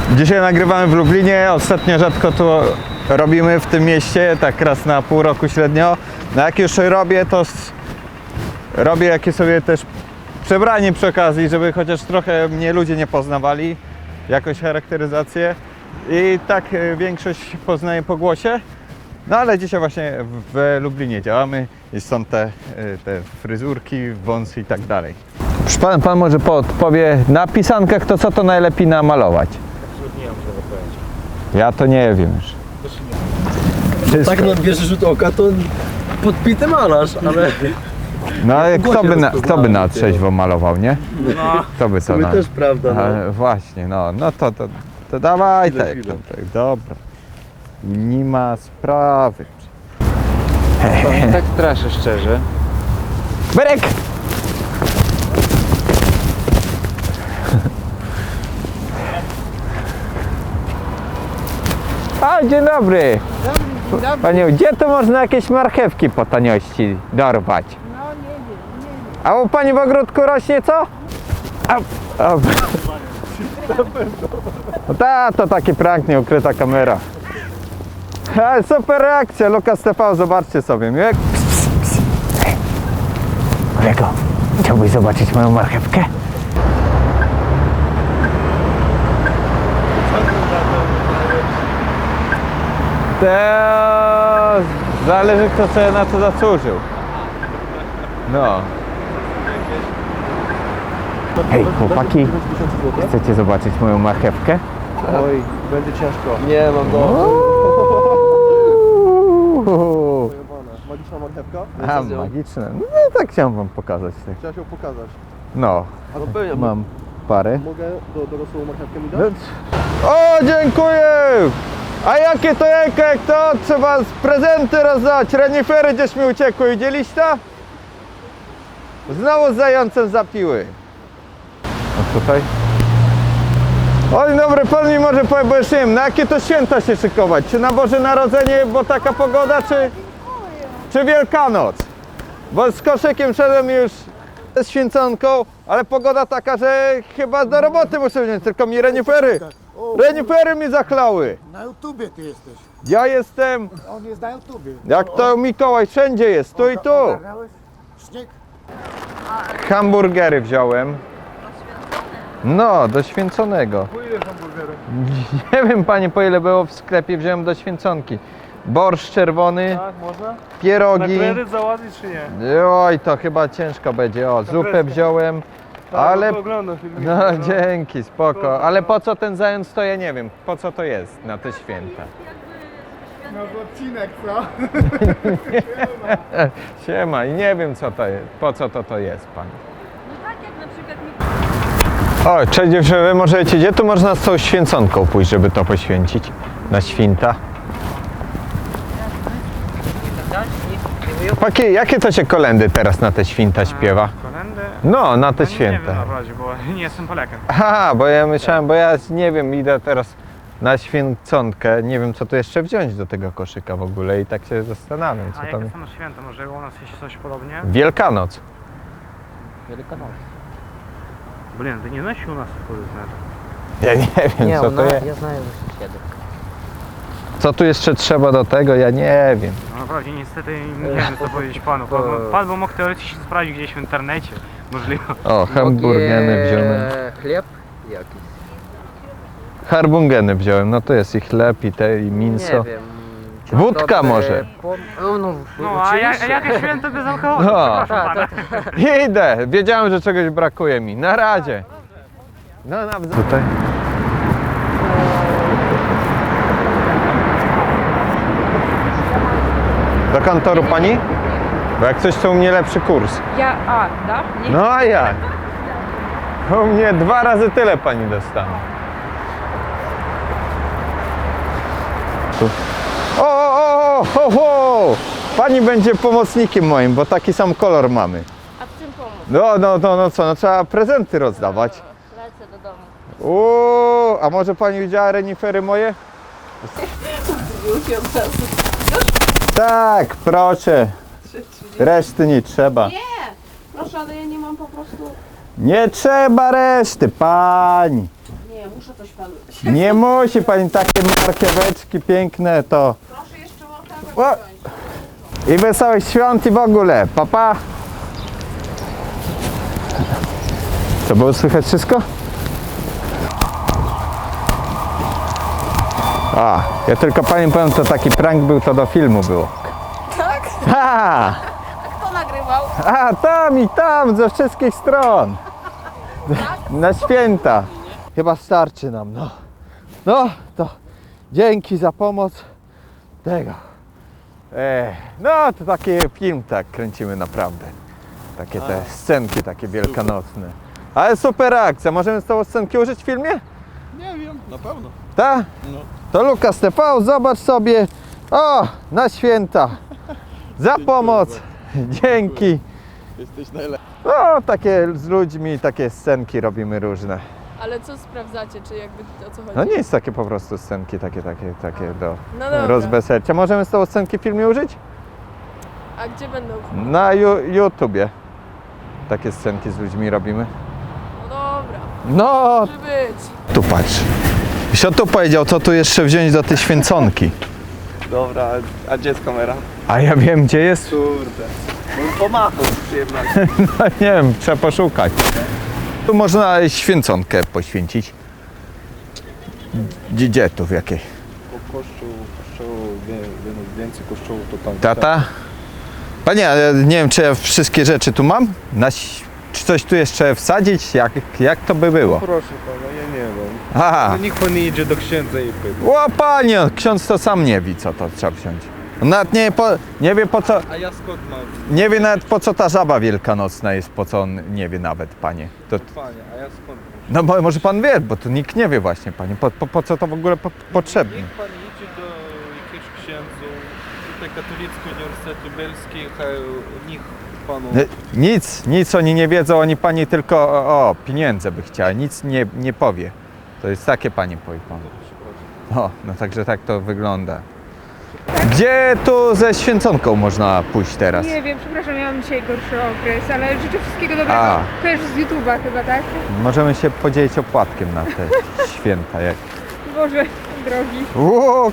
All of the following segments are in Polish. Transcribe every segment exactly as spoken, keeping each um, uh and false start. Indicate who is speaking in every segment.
Speaker 1: Dzisiaj nagrywamy w Lublinie, ostatnio rzadko to robimy w tym mieście, tak raz na pół roku średnio. No jak już robię, to robię jakieś sobie też przebranie przy okazji, żeby chociaż trochę mnie ludzie nie poznawali, jakąś charakteryzację. I tak większość poznaje po głosie. No ale dzisiaj właśnie w Lublinie działamy i są te, te fryzurki, wąsy i tak dalej. Pan, pan może podpowie na pisankach to co to najlepiej namalować?
Speaker 2: Absolutnie nie mam tego pojęcia.
Speaker 1: Ja to nie wiem już.
Speaker 2: No, tak na pierwszy rzut oka to podpity malarz, ale...
Speaker 1: No ale
Speaker 2: po
Speaker 1: kto by,
Speaker 2: głosie
Speaker 1: na, kto by na trzeźwo malował, nie?
Speaker 2: No,
Speaker 1: Kto by co
Speaker 2: to
Speaker 1: na...
Speaker 2: też prawda, no.
Speaker 1: Ale właśnie, no, no to, to, to dawaj
Speaker 2: Chwilę,
Speaker 1: tak,
Speaker 2: chwilę.
Speaker 1: tak, dobra. Nie ma sprawy.
Speaker 3: Pan tak straszy szczerze.
Speaker 1: Berek! A, dzień dobry.
Speaker 4: Dobry, dobry.
Speaker 1: Panią, gdzie tu można jakieś marchewki po taniości dorwać?
Speaker 4: No nie wiem, nie wiem.
Speaker 1: A u pani w ogródku rośnie co? A, a. No ta, to taki prank, nie ukryta kamera. A, super reakcja, Lukas T V, zobaczcie sobie. Miłek. Kolego, chciałbyś zobaczyć moją marchewkę? To zależy kto sobie na to zasłużył. No. Hej chłopaki, chcecie zobaczyć moją marchewkę?
Speaker 2: Oj, będzie ciężko. Nie, mam go.
Speaker 1: Uuu.
Speaker 2: Magiczna marchewka?
Speaker 1: A, magiczne. No tak chciałem wam pokazać. tak.
Speaker 2: Chciałem się pokazać.
Speaker 1: No,
Speaker 2: A no pewnie,
Speaker 1: mam parę.
Speaker 2: mogę do dorosłą marchewkę mi dać?
Speaker 1: O, dziękuję! A jakie to jajka, jak to trzeba z prezenty rozdać? Renifery gdzieś mi uciekły, widzieliście to? Znowu z zającem zapiły. A tutaj? O, dzień dobry, pan mi może powie, bo już nie wiem, na jakie to święta się szykować? Czy na Boże Narodzenie, bo taka pogoda, czy, czy Wielkanoc? Bo z koszykiem szedłem już z święconką, ale pogoda taka, że chyba do roboty muszę wziąć, tylko mi renifery, renifery mi zachlały.
Speaker 5: Na YouTubie ty jesteś.
Speaker 1: Ja jestem,
Speaker 5: On jest na YouTubie.
Speaker 1: jak to Mikołaj, wszędzie jest, tu i tu.
Speaker 5: Ogarnąłeś? Śnieg?
Speaker 1: Hamburgery wziąłem. No, do święconego.
Speaker 2: Po ile hamburgerów?
Speaker 1: Nie wiem panie po ile było w sklepie, wziąłem do święconki. Borsz czerwony,
Speaker 2: Tak, można? Na
Speaker 1: pierogi.
Speaker 2: kredyt załatwić czy nie?
Speaker 1: Oj, to chyba ciężko będzie. O, zupę wziąłem. Ale,
Speaker 2: Tak, oglądam filmiki.
Speaker 1: no dzięki, spoko. Ale po co ten zając to ja nie wiem. Po co to jest na te święta?
Speaker 5: No odcinek, co?
Speaker 1: Siema i nie wiem co to jest. Po co to to jest pan?
Speaker 4: No tak jak na przykład mi...
Speaker 1: O, cześć dziewczyny, możecie, gdzie tu można z tą święconką pójść, żeby to poświęcić? Na święta. Paki, jakie to się kolendy teraz na te święta śpiewa?
Speaker 6: Kolendy?
Speaker 1: No, na te
Speaker 6: Ja nie wiem
Speaker 1: święta.
Speaker 6: na razie, bo nie jestem Polakiem.
Speaker 1: Aha, bo ja myślałem, bo ja nie wiem, idę teraz na święconkę, nie wiem co tu jeszcze wziąć do tego koszyka w ogóle i tak się zastanawiam,
Speaker 6: A
Speaker 1: co
Speaker 6: jakie
Speaker 1: tam...
Speaker 6: są święta? Może u nas jest coś podobnie?
Speaker 1: Wielkanoc.
Speaker 3: Wielkanoc.
Speaker 6: Блин, ты не знаешь, что у нас входит на это?
Speaker 1: Ja nie wiem,
Speaker 3: Nie,
Speaker 1: co to
Speaker 3: ona,
Speaker 1: jest.
Speaker 3: ja знаю sąsiedy.
Speaker 1: Co tu jeszcze trzeba do tego, ja nie wiem.
Speaker 6: No naprawdę, niestety nie wiem co powiedzieć panu. Pan, pan by mógł teoretycznie sprawdzić gdzieś w internecie. Możliwe.
Speaker 1: O, hamburgeny
Speaker 3: Mogę
Speaker 1: wziąłem.
Speaker 3: Chleb jakiś.
Speaker 1: Harbungeny wziąłem, no to jest i chleb, i te, i mięso.
Speaker 3: Nie wiem.
Speaker 1: Wódka
Speaker 3: dobry
Speaker 1: może.
Speaker 3: Pom... O, no,
Speaker 6: No, a, ja, a jakie święto bez alkoholu?
Speaker 1: No.
Speaker 6: Przepraszam
Speaker 3: Tak,
Speaker 6: pana.
Speaker 3: tak.
Speaker 1: Idę, wiedziałem, że czegoś brakuje mi. Na razie. No nawzajem. Tutaj. Do kantoru pani? Bo jak coś to u mnie lepszy kurs.
Speaker 4: Ja, a, да? Nie.
Speaker 1: No a jak? U mnie dwa razy tyle pani dostanie. Tu. O, o, o, o, o! Pani będzie pomocnikiem moim, bo taki sam kolor mamy.
Speaker 4: A w czym pomóc?
Speaker 1: No, no, no, no co, no trzeba prezenty rozdawać.
Speaker 4: Lecę do domu.
Speaker 1: Uuu, a może pani widziała renifery moje?
Speaker 4: Już od razu.
Speaker 1: Tak, proszę. Reszty nie trzeba.
Speaker 4: Nie! Proszę, ale ja nie mam po prostu...
Speaker 1: Nie trzeba reszty, pani.
Speaker 4: Nie. Nie, muszę coś panu.
Speaker 1: Nie musi pani, takie markieweczki piękne to.
Speaker 4: Proszę jeszcze
Speaker 1: O!
Speaker 4: łapę.
Speaker 1: I wesołych świąt i w ogóle. Pa, pa. To było słychać wszystko? A, ja tylko pani powiem, to taki prank był, to do filmu było.
Speaker 4: Tak?
Speaker 1: Ha!
Speaker 4: Kto nagrywał?
Speaker 1: A, tam i tam, ze wszystkich stron. Na święta. Chyba starczy nam, no. No, to dzięki za pomoc tego. Ech, no, to taki film tak kręcimy naprawdę. Takie te scenki takie wielkanocne. Ale super akcja. Możemy z tą scenki użyć w filmie?
Speaker 2: Nie wiem, na pewno.
Speaker 1: Tak?
Speaker 2: No.
Speaker 1: To Lukas T V, zobacz sobie. O, na święta. Za pomoc. Dzięki.
Speaker 2: Jesteś najlepszy.
Speaker 1: No, takie z ludźmi, takie scenki robimy różne.
Speaker 4: Ale co sprawdzacie, czy jakby o co chodzi?
Speaker 1: No nie jest takie po prostu scenki, takie, takie, takie do
Speaker 4: No dobra.
Speaker 1: rozweselcia. Możemy z tą scenki w filmie użyć?
Speaker 4: A gdzie będą?
Speaker 1: Na ju- YouTubie. Takie scenki z ludźmi robimy.
Speaker 4: No dobra,
Speaker 1: No,
Speaker 4: może być.
Speaker 1: tu patrz. Sio tu powiedział, co tu jeszcze wziąć do tej święconki.
Speaker 2: Dobra, a gdzie jest kamera?
Speaker 1: A ja wiem, gdzie jest.
Speaker 2: Kurde. Bym pomachał z przyjemnością.
Speaker 1: No nie wiem, trzeba poszukać. Tu można święconkę poświęcić. Gdzie, gdzie tu, w jakiej?
Speaker 2: Kościół, kościół, wie- więcej kościółów to tam.
Speaker 1: Tata? Panie, ale nie wiem, czy ja wszystkie rzeczy tu mam? Na, ś- czy coś tu jeszcze wsadzić? Jak, jak to by było?
Speaker 2: Proszę pana, ja nie wiem.
Speaker 1: Aha.
Speaker 2: No niech pan idzie do księdza i pyta.
Speaker 1: O panie, ksiądz to sam nie wie, co to trzeba wziąć. On nawet nie, po, nie wie po co,
Speaker 2: A ja skąd mam?
Speaker 1: nie wie nawet po co ta żaba wielkanocna jest, po co on nie wie nawet, panie. To,
Speaker 2: Panie, a ja skąd mam?
Speaker 1: no bo może pan wie, bo tu nikt nie wie właśnie, panie, po, po, po co to w ogóle po, potrzebne.
Speaker 7: Niech pan idzie do jakiegoś księdzu, tutaj Katolicki Uniwersytet Lubelski, hej, niech panu...
Speaker 1: Nie, Nic, nic oni nie wiedzą, oni pani tylko o, o pieniądze by chciała, nic nie, nie powie. To jest takie pani powie pan. O, no także tak to wygląda. Gdzie tu ze święconką można pójść teraz?
Speaker 8: Nie wiem, przepraszam, miałam dzisiaj gorszy okres, ale życzę wszystkiego dobrego.
Speaker 1: A.
Speaker 8: Kojarzysz z YouTube'a chyba, tak?
Speaker 1: Możemy się podzielić opłatkiem na te święta. Jak...
Speaker 8: Boże, drogi.
Speaker 1: Łuk!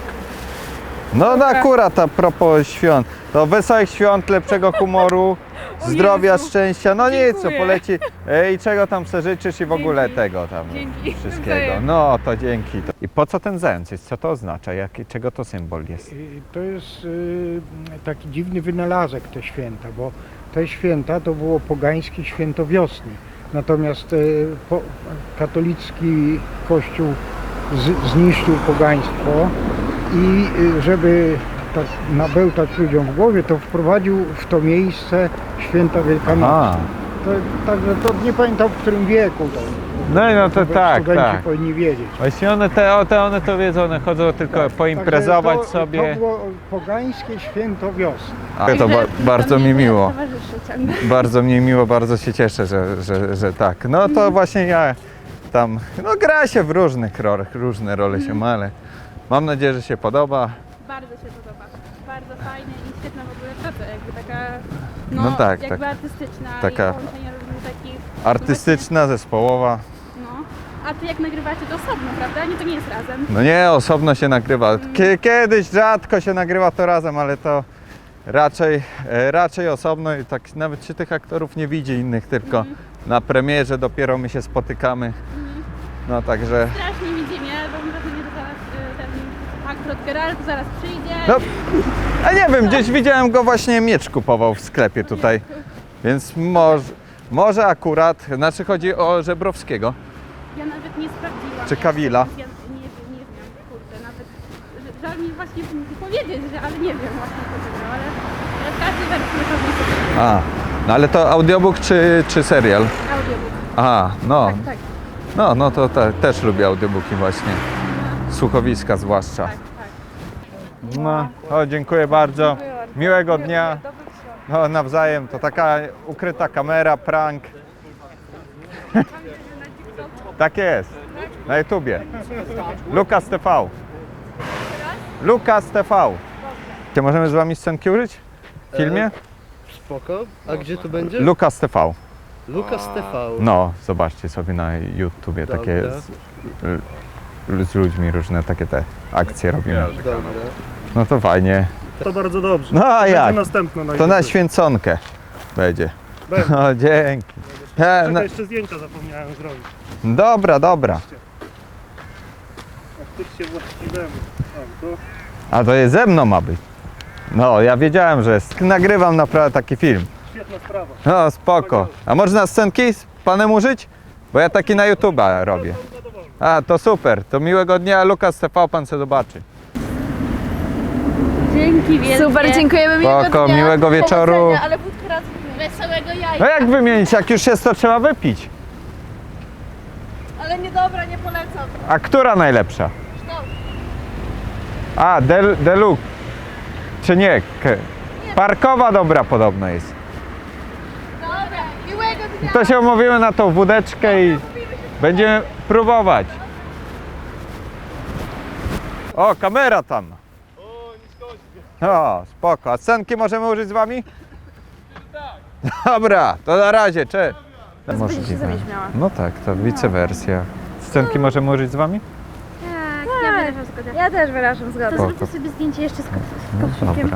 Speaker 1: No no
Speaker 8: Dobra.
Speaker 1: akurat a propos świąt. To wesołych świąt, lepszego humoru,
Speaker 8: O
Speaker 1: zdrowia,
Speaker 8: Jezu.
Speaker 1: szczęścia. No nic, co
Speaker 8: Dziękuję.
Speaker 1: poleci. E, I czego tam se życzysz i w ogóle
Speaker 8: Dzięki.
Speaker 1: tego tam
Speaker 8: Dzięki.
Speaker 1: wszystkiego.
Speaker 8: Nawzajem.
Speaker 1: No to dzięki. I po co ten zając jest? Co to oznacza? Jak, czego to symbol jest?
Speaker 9: Y, To jest y, taki dziwny wynalazek te święta, bo te święta to było pogańskie święto wiosny. Natomiast y, po, katolicki kościół z, zniszczył pogaństwo i y, żeby tak nabełtać ludziom w głowie, to wprowadził w to miejsce święta Wielkanocy.
Speaker 1: A,
Speaker 9: To, także to nie pamiętam w którym wieku. To,
Speaker 1: no i no to tak,
Speaker 9: studenci
Speaker 1: tak.
Speaker 9: powinni wiedzieć.
Speaker 1: Właśnie one, te, o, te, one to wiedzą, one chodzą tylko
Speaker 9: Tak,
Speaker 1: poimprezować
Speaker 9: także to,
Speaker 1: sobie.
Speaker 9: To było pogańskie święto wiosny.
Speaker 1: A, to ba bardzo mi miło.
Speaker 8: Towarzyszy ciągle.
Speaker 1: Bardzo mi miło, bardzo się cieszę, że, że, że tak. No to właśnie ja tam, no gra się w różnych rolach, różne role się ma, ale mam nadzieję, że się podoba.
Speaker 8: Bardzo się podoba. Bardzo fajnie i świetna w ogóle praca, jakby taka, no,
Speaker 1: No tak,
Speaker 8: jakby
Speaker 1: tak.
Speaker 8: artystyczna
Speaker 1: Taka
Speaker 8: i połączenie różnych takich...
Speaker 1: Artystyczna, zespołowa.
Speaker 8: No. A ty jak nagrywacie to osobno, prawda? Nie, to nie jest razem.
Speaker 1: No nie, osobno się nagrywa. Kie- Kiedyś rzadko się nagrywa to razem, ale to raczej, e, raczej osobno i tak nawet się tych aktorów nie widzi innych, tylko na premierze dopiero my się spotykamy. No także...
Speaker 8: Strasznie mi ziemię, bo mam wrażenie, że zaraz y, ten akurat Geralt zaraz przyjdzie.
Speaker 1: No, a nie wiem, gdzieś widziałem go właśnie, miecz kupował w sklepie tutaj, więc może, może akurat, znaczy chodzi o Żebrowskiego.
Speaker 8: Ja nawet nie sprawdziłam.
Speaker 1: Czy Kawila?
Speaker 8: Ja nie wiem, nie wiem, kurde, nawet że- żal mi właśnie powiedzieć, że, ale nie wiem właśnie co wybrał, ale, ale w każdej wersji pewnie sobie
Speaker 1: A, no ale to audiobook czy, czy serial?
Speaker 8: audiobook.
Speaker 1: Aha, no,
Speaker 8: Tak, tak,
Speaker 1: no, no to te, też lubię audiobooki właśnie, słuchowiska zwłaszcza.
Speaker 8: tak, tak.
Speaker 1: No, o, dziękuję bardzo, miłego dnia, no nawzajem, to taka ukryta kamera, prank. Tak jest, na YouTubie. Lukas T V. Lukas T V. Czy możemy z wami scenki użyć? W filmie?
Speaker 2: Spoko. A gdzie to będzie?
Speaker 1: Lukas T V.
Speaker 2: Lukas T V.
Speaker 1: No, zobaczcie sobie na YouTubie
Speaker 2: Dobra.
Speaker 1: takie z, z ludźmi różne takie te akcje robimy.
Speaker 2: Dobra.
Speaker 1: No to fajnie.
Speaker 10: To bardzo dobrze.
Speaker 1: No a jak?
Speaker 10: Następne na
Speaker 1: To na
Speaker 10: YouTube.
Speaker 1: święconkę będzie.
Speaker 10: Będzie.
Speaker 1: O, dzięki. E, no,
Speaker 10: Czekaj, jeszcze zdjęcia zapomniałem zrobić.
Speaker 1: dobra, dobra.
Speaker 10: Faktycznie właściwemu. O, to
Speaker 1: A to jest ze mną ma być. No, ja wiedziałem, że jest. Nagrywam naprawdę taki film.
Speaker 10: świetna sprawa.
Speaker 1: No, spoko. A można scenki z panem użyć? Bo ja taki na YouTube'a robię. A, to super. To miłego dnia. Lukas T V, pan se zobaczy.
Speaker 8: Dzięki wielkie.
Speaker 4: Super, dziękujemy, miłego
Speaker 1: Spoko,
Speaker 4: dnia.
Speaker 1: miłego wieczoru.
Speaker 4: Powodzenia, ale wódkę raz
Speaker 8: Wesołego jajka.
Speaker 1: No jak wymienić? Jak już jest, to trzeba wypić.
Speaker 4: Ale niedobra, nie polecam.
Speaker 1: A która najlepsza? A, del, Deluxe. Czy nie? K- Parkowa dobra podobno jest.
Speaker 4: Dobra, miłego dnia.
Speaker 1: To się umówimy na tą wódeczkę i będziemy próbować. O, kamera tam. O, spoko. A scenki możemy użyć z wami? Dobra, to na razie, cześć. Możliwe. No tak, to wicewersja. Scenki możemy użyć z wami?
Speaker 8: Tak, ja wyrażam zgodę. Ja też wyrażam zgodę. To
Speaker 1: Spoko.
Speaker 8: zróbmy sobie zdjęcie jeszcze z, ko- z
Speaker 1: No
Speaker 8: koszykiem.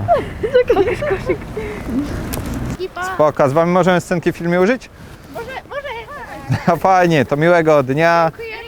Speaker 1: dobra. Spoko, a z wami możemy scenki w filmie użyć?
Speaker 8: Może, może.
Speaker 1: Fajnie, to miłego dnia.
Speaker 8: Dziękuję.